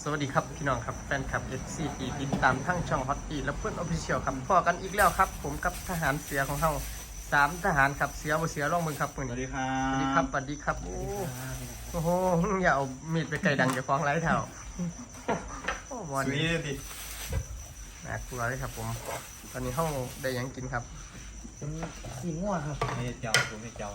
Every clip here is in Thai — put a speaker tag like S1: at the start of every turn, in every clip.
S1: สวัสดีครับพี่น้องครับแฟนคลับ FC ที่ติดตามทั้งช่องฮอตตี้และเพื่อนออฟฟิเชียลครับพอกันอีกแล้วครับผมกับทหารเสือของเรา3 ทหารครับเสือบ่เสือร่องมึงครับมือ
S2: สวัส
S1: นี้
S2: ดีครั
S1: สวัสดีครับ บสวัสดีครับโอ้โหอย่าเอามีดไปไกลดังอย่าฟ้องไร้เท่าโอ้บอล
S2: สวัสดีดิ
S1: น่ากลัวเลยครับผมตอนนี้ห้องได้หยังกินครับ
S3: เป็นสีม่วงครับ
S2: ไม่เจ้าผมไม่เจ้า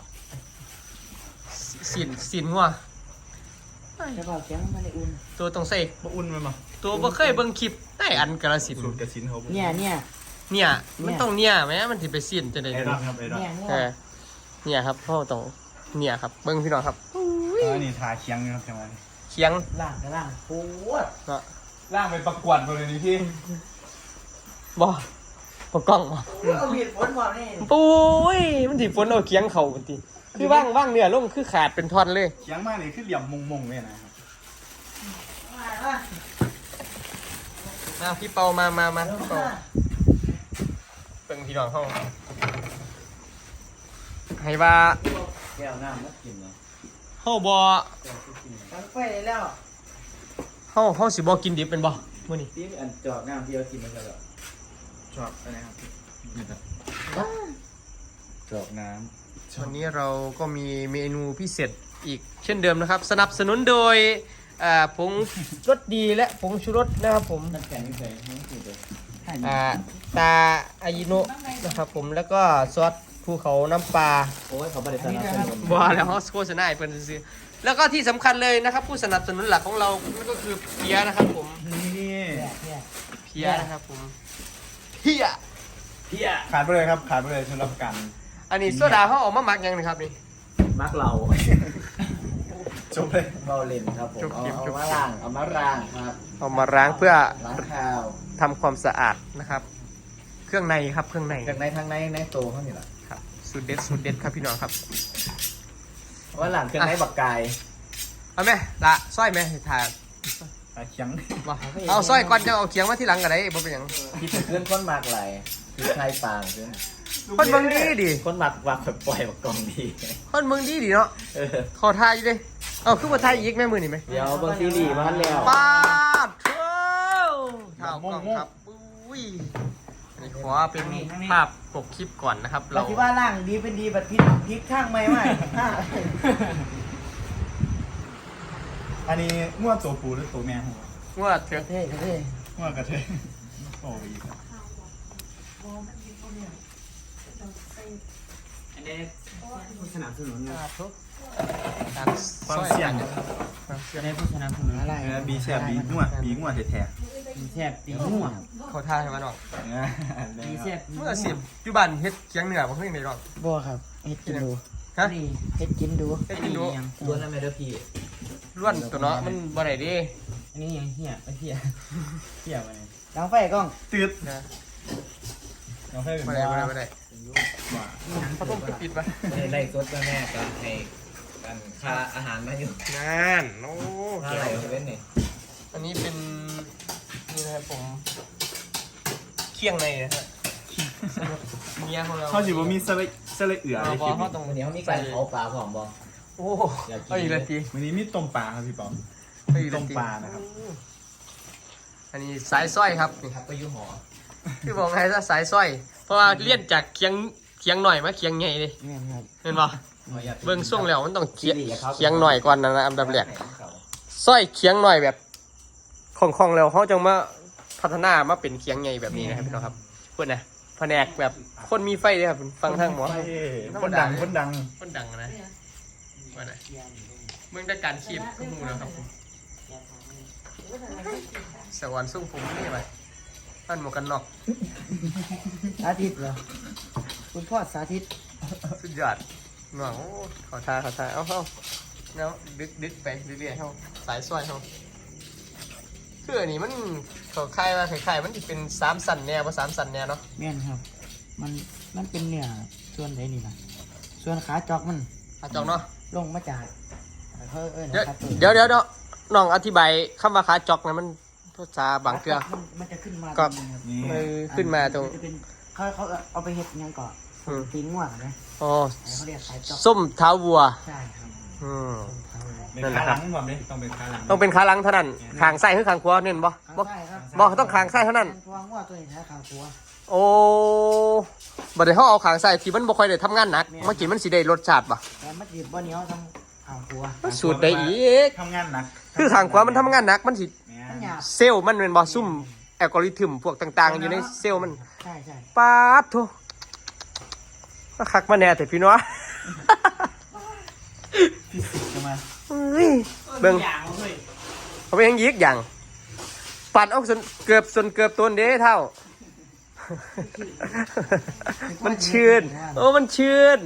S1: สินงัว
S3: แต่ว่าเสียงมันได้อุ่น
S1: ตัวตรงใส่
S2: มาอุ่นมันมา
S1: ตัวบ่เคยเบิ่งคลิปได้อันกระสิน
S2: สูตรกระสินเขา
S1: เนี่ยมันต้องเนี่ยแม้มันสิไปสินจะได้
S2: ไอ้ดอนครับไอ้ดอน
S3: เนี่ย
S1: เนี่ยครับพ่อต้องเนี่ยครับเบิ้งพี่น้องครับ
S2: อันนี้ทาเคียงนะครับจังหวะนี้
S1: เคียง
S3: ล่างกับล่างโคตร
S1: เนาะ
S2: ล่างไปประกวดมาเลยนี่พี่
S1: บ่ปกกล้องบ่
S3: เอามีดฝนบอกนี่
S1: ปุ้ยมันสิฝนเอาเคียงเข่ามันติคือว่างเนี่ยลงคือขาดเป็นท่อนเลย
S2: เคียงมากเลยคือเหลี่ยมมงๆเลยนะครับ
S1: พี่เปามาพี่เปาเบิ้งพี่น้องเขาให้ว่า
S3: แก้วน้ำมากินเนาะ
S1: เฮาบ่
S3: ตั้งไฟได้แล้ว
S1: เฮาสิบ่กินดิบเป็นบ่มื้อนี้
S3: ที่อันจอกน้ำที่เรากินมันก็แบบ
S2: ชอบอะไรครับนี่ครับจอกน้
S1: วันนี้เราก็มีเมนูพิเศษอีกเช่นเดิมนะครับ สนับสนุนโดยผงรสดีและผงชูรสนะครับผม
S3: น้ำแข็งนี่ใส่ไม่กินเลย
S1: ตาอายิโนะนะครับผมแล้วก็ซอสภูเขาน้ำปลา
S3: โอ้ยเขาบริษัทเราเป็น
S1: บัวแล้วโฆษณาให้เพิ่นซื้อแล้วก็ที่สำคัญเลยนะครับ ผู้สนับสนุนหลักของเรานั่นก็คือเพียนะครับผม
S2: ำนี่
S3: เนี่ย
S1: เพียนะครับผมเพีย
S3: พี่อะ
S2: ขาดไปเลยครับขาดไปเลยสำหรับกัน
S1: อันนี้โซดาเขาออกมาหมักยังนะครับนี่
S3: มักเรา
S2: จบเลย
S3: เราเล่นครับผมเอามาล้างครับ
S1: เอามาล้างเพื่อ
S3: ล้างข้าว
S1: ทำความสะอาดนะครับ เครื่องในครับเครื่องใน
S3: จากในทางในโตเขานี่แหละ
S1: ครับสูตรเด็ดครับพี่น้องครับ
S3: ว่าหลังจากในบักไก่
S1: เอาไหมละสร้อยไหมถ่าย
S2: ทาเคียง
S1: มาเอาสร้อยก่อนจะเอาเขียงมาที่หลังกันได้บ่เป็นหยัง
S3: ที่เพื่อนคนมากไหลคือใครปางเพื่อน
S1: คนเมืองดีดิ
S3: คนหมักวางแบบปล่อยแบบกล่องดี
S1: คนเมืองดีดิเนาะ
S3: เออ
S1: ขอทายอยู่ดิเอาคือมาทายอีกแม่มือนี่ไหม
S3: เดี๋ยวบางซีรีส์มาแล้ว
S1: ปาดเท่าเท่ากล้องครับอุ้ยอันนี้ขอเป็นภาพปกคลิปก่อนนะครับ
S3: เราคิดว่าร่างดีเป็นดีแบบพลิกข้างไม่ไหว
S2: อันนี้ง่วตัวปูหรือตัวแม่หัว
S1: ว่าเถอะ
S3: เท่เท่
S2: ง่วกระเทยโอ้ยครับ
S3: อันนี้ผู้สนับสนุน
S1: การ
S2: ความเสี่ยง
S1: ความเสี่ยง
S3: อันนี้ผู้สนับสนุนอะไร
S2: บีแซ่บบีง่วแท้
S3: มีแซ่บตีหัว
S1: เขาท่าให้มันออก
S2: ๆ
S3: มีแซ่บ
S1: เมื่อสิบอยู่บ้านเฮ็ดเคียงเหนือบ่เพิ่งได้หรอก
S3: บัวครับเฮ็ดกินดู
S1: ฮะ
S3: เฮ็ดกินดู
S1: เฮ็ดกินดู
S3: ล้วนแล้วไม่ได้พี่
S1: ล้วนตัวเนาะมันบ่ได้ดิ
S3: อันนี้ยังเหี้ยไปเหี้ยเหี้ยไปดังไฟกล้อง
S2: ตืด
S1: นะ
S2: น้องให้เป็น
S1: บ่ได้บ่ได้บ่ได้
S2: ว่า
S1: พัดลมก็ปิดปะ
S3: ไล่สดแม่กันให้กันค่าอาหารมาอยู่
S1: นั่นโอ้
S3: ค่าอะไรเว้นนี่
S1: อันนี้เป็นนี่นะครับผมเคียงในนะฮะเมียของเรา
S2: เขาสิบ่มีสละเอือ
S1: เอา
S2: ใน
S1: บ
S2: ค
S1: อ
S2: ลิ
S1: ก
S2: ป
S1: เขา
S2: นี้
S1: ตรง
S3: วันนี้เขามีการเผาปลาผอมบ่
S1: โอ้เอาอีกแล้วที
S2: วันนี้มีต้มปลาครับพี่ป๋อม
S1: เอาอีกแล้ว
S2: ต้ม
S1: ที
S2: ปลานะครับ
S1: อันนี้สายสร้อยครับนี่
S3: ครับไปอยู่หอ
S1: คือบอกไงซะสายสร้อย เพราะว่าเลี่ยนจากเคียงหน่อยมาเคียงใหญ่เลย
S3: แม่นครับ
S1: เห็นป่ะเบิ่งช่วงแล้วมันต้องเคียงหน่อยก่อนนะอันดับแรกสร้อยเคียงหน่อยแบบของแล้วเขาจะมาพัฒนามาเป็นเคียงใหญ่แบบนี้นะครับพี่น้องครับเพื่อนนะแผนกแบบคนมีไฟเลยครับฟังทางหมอ
S2: คนดัง
S1: คนดังนะว่าไหนเมืองได้การคีบก็มูแล้วครับผมสวรรค์ส่งผมนี่ไปอันหมวกกันน็อก
S3: สาธิตเหรอคุณพ่อสาธิต
S1: สุดยอดหน่วงโอ้ขอทาเอาแล้วดึกไปเรื่อยๆเขาสายสร้อยเขาคืออันนี้มันเขาคายมาคล้ายๆมันจะเป็น3 สันแนวว่า3 สันแนวเนาะ
S3: แม่นครับ มันเป็นเนื้อส่วนไหนนี่ล่ะส่วนขาจอกมัน
S1: อาจองเนาะ
S3: ลงมาจากเขา
S1: เดี๋ยว
S3: นะครับ
S1: เดี๋ยวน้องอธิบายคำว่าขาจอกนะมันภาษาบางเกลือ
S3: มันจะขึ้นมา
S1: ก็
S3: ตรงนี้ครับ
S2: นี่
S1: ขึ้นมาตรง
S3: จะเป็นเขาเอาไปเห็ดยังก่อน
S1: อืม
S3: ตีนง่วงนะ
S1: อ๋อ
S3: เขาเรียกสายจอก
S1: ส้มเท้าวัว
S3: ใช่ครับ
S1: อืม
S2: เป็นขาหลังผมเลยต้องเป็นขาหลัง
S1: ต้องเป็นขาหลังเท่านั้นขางไส้หรือขางขวาเน้นบ่
S3: ขาง
S1: บ่
S3: ซ้ายครับ
S1: บ่ต้องขางไส้เท่านั้น
S3: เพราะว่างัวตัวนี้นะขางขัว
S1: โอ้บ่ได้เฮาเอาขางไส้ที่มันบ่ค่อยได้ทำงานหนักมากินมันสิได้รสชาติบ่
S3: แต่มันจีบบ่เหนียวทั้งขางขัว
S1: มันสูตรได้อีก
S2: ทำงานหนัก
S1: คือขางขวามันทำงานหนักมันสิ
S3: มันหยาบ
S1: เซลล์มันเป็นบ่ซุ่มแอลกอริทึมพวกต่างๆ อยู่ในเซลล์มัน
S3: ใช่ใช่
S1: ปาดโถมาคักมาแน่แต่พี่น้อง
S2: ฟิสิกส์จะมา
S1: เฮ้ยเบิ่งเขาไปยังยิกอย่างปัดออกจนเกือบตัวเด้เท่า มันชื่นโอ้มันชื่น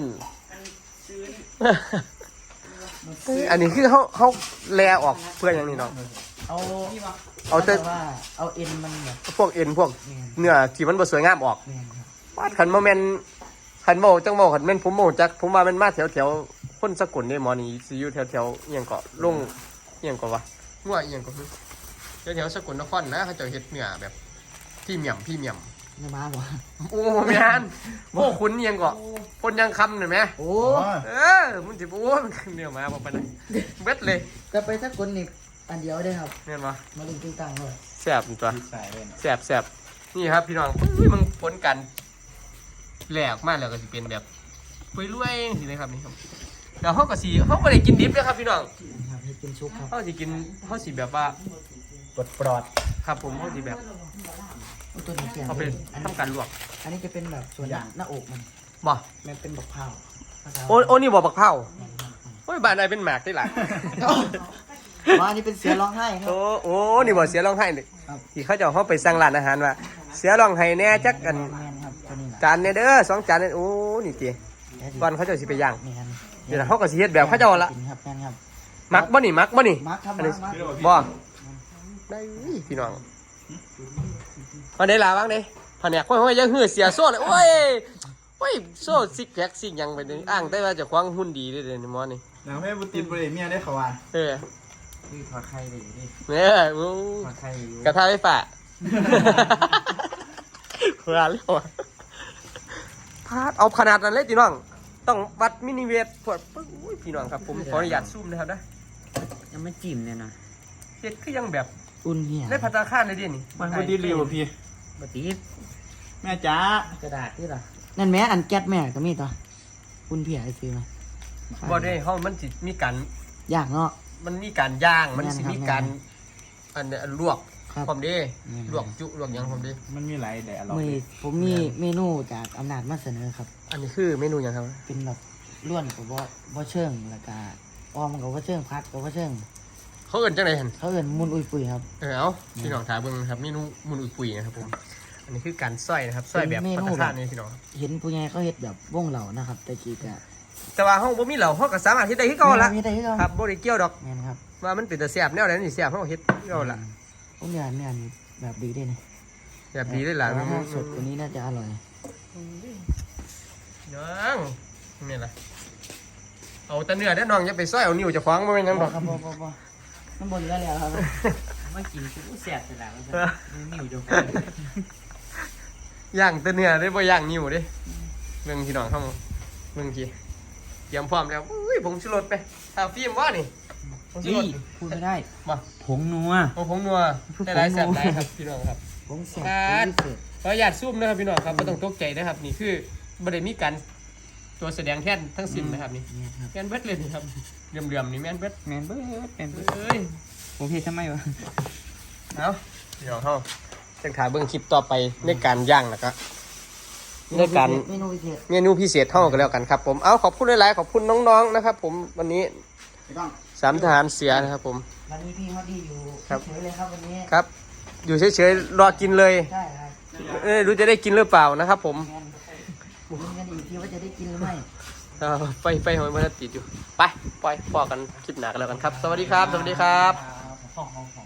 S1: อันนี้คือเขาแลออกเพื่ออย่างนี้เนาะ
S3: เอา
S1: เอาแต่
S3: ว่าเอาเอ็นมันแบบ
S1: พวกเอ็นพวกเนื้อที่มันบ่สวยงามออก
S3: แม่นครับ
S1: วาดขันโมเมนขันโมจังโมขันเม่นผมโมจักผมว่ามันมาแถวคนสกุลเนี่ยหมอนี่สิอยู่แถวเอียงเกาะลงเอียงเกาะวะมั่วเอียงเกาะแถวสกุลนครนะเขาจะเฮ็ดเนื้อแบบพี่เมียม
S3: เนื้อม้าบ่
S1: โอ้แม่นพวกคุณเอียงเกาะคนยังคำหน่อยไหม
S3: โอ้
S1: มันสิโอ้มันเนื้อมาบอกไปเลยเบ็ดเลย
S3: จะไปสักคนนี่อันเดียวได้ครับ
S1: เห็นปะ
S3: มาลิงติ้งตังเลย
S1: แซ่บตัว
S2: ใส่เลย
S1: แซ่บนี่ครับพี่น้องมึงผลกันแหลกมากแล้วก็สิเป็นแบบปุยรวยสิเลยครับนี่ครับเดี๋ยวเขาก็ได้กินดิบเลยครับพี่น้อง
S3: ครับให้กินชุบครับ
S1: เขาสิแบบว่า
S2: ปลอด
S1: ครับผมเขาสิแบบ
S3: โอ้ตัวนี้เสียง
S1: เขาเป็นทำการลวก
S3: อันนี้จะเป็นแบบส่วนหน้าอกมัน
S1: บ่
S3: มันเป็นบักเผาภาษา
S1: โอ้นี่บ่บักเผาโอ้ยบ้านใดเป็นหมากได้หล่ะ
S3: ว่าอันนี้เป็นเสือร้องไห้ครับ
S1: โอ้นี่บ่เสียร้องไห้นี่
S3: ครับ
S1: ที่เขาจะเอาเขาไปสั่งร้านอาหารว่าเสียร้องไห้แน่จักกัน
S3: แมนครับตัวนี้แหละ
S1: จานเนี่ยเด้อ2 จานเนี่ยโอ้นี่ติก่อนเขาจะสิไปย่าง
S3: แมน
S1: เดี๋ยวเขาก็สิเฮ็ดแบบเขาเจ้าละ
S3: กินครับแมนครับ
S1: มักบ่นี่
S3: มาร์คครับ
S1: อันนี้
S3: มาร์ค
S1: บ่ได้พี่น้องมาได้ลาบ้างเด้แผนกห้อยๆยังหื้อเสียโซ่เลยโอ้ยโซ่ซิกแพคซิกหยังไปนี่อ้างได้ว่าเจะควางหุ่นดีเด้อเดี๋ยวนี้หมอนี่
S2: แล้วแม่บุตรบริเมียได้เขาว่า
S1: เออ
S3: คือถอดไข่ไปอยู่ดิ
S1: เนี่ยโอ้
S3: ถอดไข่อยู่
S1: กระทะไฟฟ้าขนาดเลยว่ะพาดเอาขนาดนั้นเลยพี่น้อง ต้องวัดมินิเวทพวดปึ๊บอุ้ยพี่น้องครับผมขออนุญาตซูมนะครับนะ
S3: ยังไม่จิ้มเนี่ยนะ
S1: เฮ็ดคือยังแบบ
S3: อุ่นเหี้ย
S1: ได้พัตตาคารเลยดินี่
S2: มันบุตรเร็วพี่
S3: บตีบ
S2: แม่จ๋าก
S3: ระดาษที่ล่ะนั่นแม่อันแก๊สแม่ก็มีตัวอุ่นเพียไอซื้อมา
S1: บ่ได้เฮามันสิมีการ
S3: ยากเนาะ
S1: มันมีการย่างมันสิ
S3: แม่นครับ
S1: มีการอันเนี้ยลวก
S3: ครับ
S1: พร้อมเด้
S3: แม่น
S1: ลวกจุลวกหยังพร้อมเด้
S2: มันมีหลายแต่อร่อย
S3: ผมมีเมนูจากอำนาจมาเสนอครับ
S1: อันนี้คือเมนูหยังครับ
S3: เป็นแบบล้วนกับบ่เชิงแล้วก็ออมกับบ่เชิงพัดกับบ่เชิง
S1: เขาเอิ้นจังได๋หั่น
S3: เขาเอิ้นมุนอุยปุยครับ
S1: เอาพี่น้องถามเบิ่งนะครับเมนูมุนอุยปุยนะครับผมอันนี้คือการซอยนะครับซอยแบบพัตตาคารนี่พี่น้อง
S3: เห็นผู้ใหญ่เขาเฮ็ดแบบวงเหล่านะครับแต่กี้ก็
S1: แต่ว่าเฮาบ่มีเหล้าเฮาก็สามารถเฮ็ดได้คือเก่าละ
S3: มีได้คือเก่า
S1: ครับบ่ได้เกี่ยวดอก
S3: แม่นครับ
S1: ว่ามันเป็นแต่แซ่บแนวใดนี่แซ่บเฮาเฮ็ดคือเก่าละ
S3: ผมอยากเนี่ยแบบดีด้วยนี่
S1: แบบดีเลยล่ะ
S3: แต่ว่าถ้าสดกว่านี้น่าจะอร่อย
S1: ยังนี่ล่ะเอาแต่เนื้อเด้อน้องอย่าไปซอยเอานิ้วเจะขวางบ่แม่นหยังดอก
S3: ครับบ่มันบนเรือแล้วครับไม่กินกูแสบเสร็จแล้วนิ้วจะ
S1: ย่างแต่เนื้อได้บ่ย่างนิ้วเด้เบิ่งพี่น้องเฮาเบิ่งกี้เตรียมพร้อมแล้วอุ้ยผงชูรสไปถ้าฟิล์มว่านี่ผงชูรส
S3: พูดไม่ได้
S1: มา
S3: ผงนัว
S1: เอาผงนัวได้หลายแซ่บหลายครับพี่น้องครับ
S3: ผงแสบ
S1: ครับ
S3: พิเศษ
S1: ขออนุญาตซูมนะครับพี่น้องครับไม่ต้องตกใจนะครับนี่คือบ่ได้มีการตัวแสดงแท่นทั้งสิ้นนะครับนี่
S3: เนี่ยครับ
S1: แม่นเบิดเลยนี่ครับเหลื่อมๆนี่แม่นเบิด
S3: แมนเบิร์ดแมนเบิร์ด
S1: เอ้ย
S3: ผมเฮ็ดทำไมวะ
S1: เอาพี่น้องเฮาจังถ่ายเบิ่งคลิปต่อไปในการย่างนะครับในการ
S3: เมนูพิเศษ
S1: เมนูพิเศษเท่ากันแล้วกันครับผมเอาขอบคุณหลายๆขอบคุณน้องๆนะครับ ผมวันนี้
S3: ไม่ต้อง
S1: สามทหารเสียนะครับผม
S3: วันนี้พี่ฮอตดี้อยู่
S1: ครับ
S3: เฉยๆเลยครับวันนี้
S1: ครับ อยู่เฉยๆรอกินเลย
S3: ใช่ครับ
S1: รู้จะได้กินหรือเปล่านะครับ ผม
S3: แมนผมกันอีกทีว่าจะได้กินหรือไม่
S1: ไฟหอยมันติดอยู่ไปปล่อยพอกันคลิปหนักแล้วกันครับ สวัสดีครับ สวัสดีครับ
S3: ห้อง